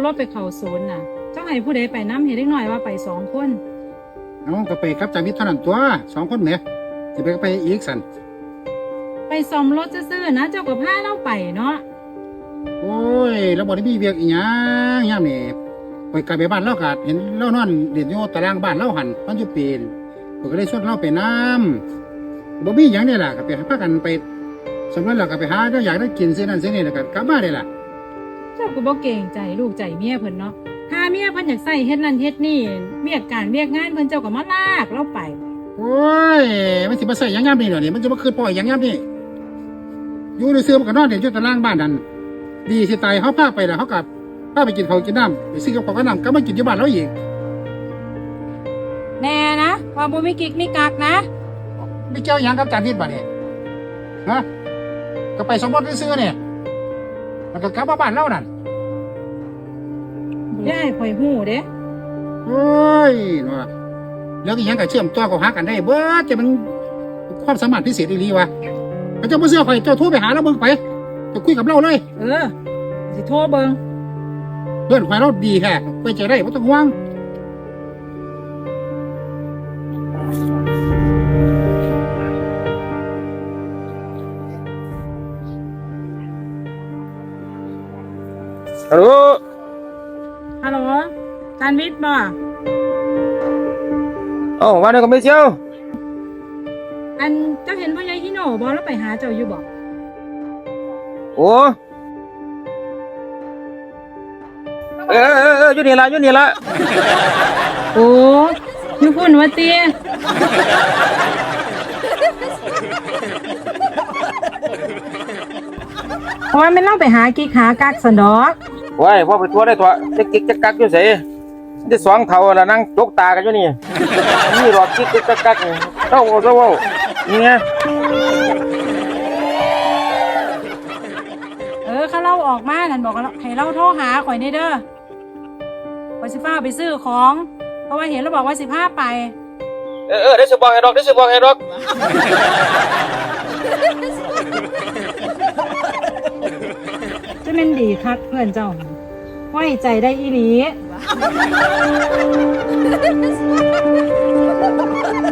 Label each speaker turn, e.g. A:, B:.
A: รถไปเข้าศูนย์น่ะเจ้าให้ผู้ใดไปน้ำเห็นเล็กน้อยว่าไป2 คน
B: น้องก็ไปกับจามิตรเท่านั้นตัว2 คนเนี่ยจะไปก็ไปอีกสัน
A: ไปซ่อมรถซื่อๆนะเจ้าก็พาเราไปเนาะ
B: โอ้ยเราบ่ได้มีเวียกอีหยังยามนี่ไปกลับไปบ้านเราก็เห็นเรานอนเล่นอยู่ตารางบ้านเราหันมันอยู่ปีนผมก็เลยชวนเราไปน้ำบ่มีหยังนี่ล่ะก็ไปพากันไปสำนักเราก็ไปหาเจ้าอยากได้กินซื้อนั่นซื้อนี่แล้วก็กลับมาได้ล่ะ
A: เจ้าก็บ่เกรงใจลูกใจเมียเพิ่นเนาะถ้าเมียเพิ่นอยากใส่เฮ็ดนั่นเฮ็ดนี่เวียกการเวียกงานเพิ่นเจ้าก็มาลากเราไป
B: โอ้ยมันสิมาใส่หยังยามนี่เหรอนี่มันจะมาคืนปล่อยหยังยามนี่อยู่ในเสื้อมันก็นอนเดี๋ยวอยู่ตารางบ้านนั่นดีสิตายเขาพาไปแล้วเขากับพาไปกินข้าวกินน้ำไปซื้อกับข้าวกับน้ำก็มากินที่บ้านเราอีก
A: แน่นะว่าบ่มีกิ๊กมีกักนะ
B: ไม่เกี่ยวหยังกับจานนิดบ่เนี่ยฮะก็ไปสมมติซื้อเนี่ยมันก็กลับมาบ้านเรานั่น
A: ได้ข่อยฮู้เด้
B: โอ้ยเนาะแล้วอีหยังก็เชื่อมต่อกับหากันได้เบิดจะมันความสามารถพิเศษอีหลีวะเจ้าบ่เชื่อข่อยเจ้าโทรไปหาเราเบิ่งไปจะคุยกับเราเลย
A: สิโทรเบิ่ง
B: เพื่อนข่อยเราดีแท้ไปใจได้บ่ต้องห่วง
C: ฮัลโหล
A: ฮัลโหลจานวิทย์บ่
C: ว่าได้ก็ไม่เชียว
A: อันเจ้าเห็นพ่อใหญ่ฮิโน่บ่แล้วไปหาเจ้าอยู่บ่
C: โอ้อยู่นี่ละ
A: โอ้อยู่พุ่นว่าติเพราะว่ามันเล่าไปหากิ๊กหากักสันดอก
C: ว้ายพ่อไปทัวร์ได้ตัวจะกิกจะกักอยู่เสจะสองเท่าละนั่งจกตากันอยู่นี่นี่หลอกกิกจะกักเต้านี่ไง
A: เขาเล่าออกมานั่นบอกให้เราโทรหาข่อยนี่เด้อข่อยสิฟ้าไปซื้อของ เพราะว่าเห็นแล้วบอกว่าสิพาไป
C: ได้สิบอกให้ดอก
A: จะเป็นดีคักเพื่อนเจ้าไว้ใจได้อีหลี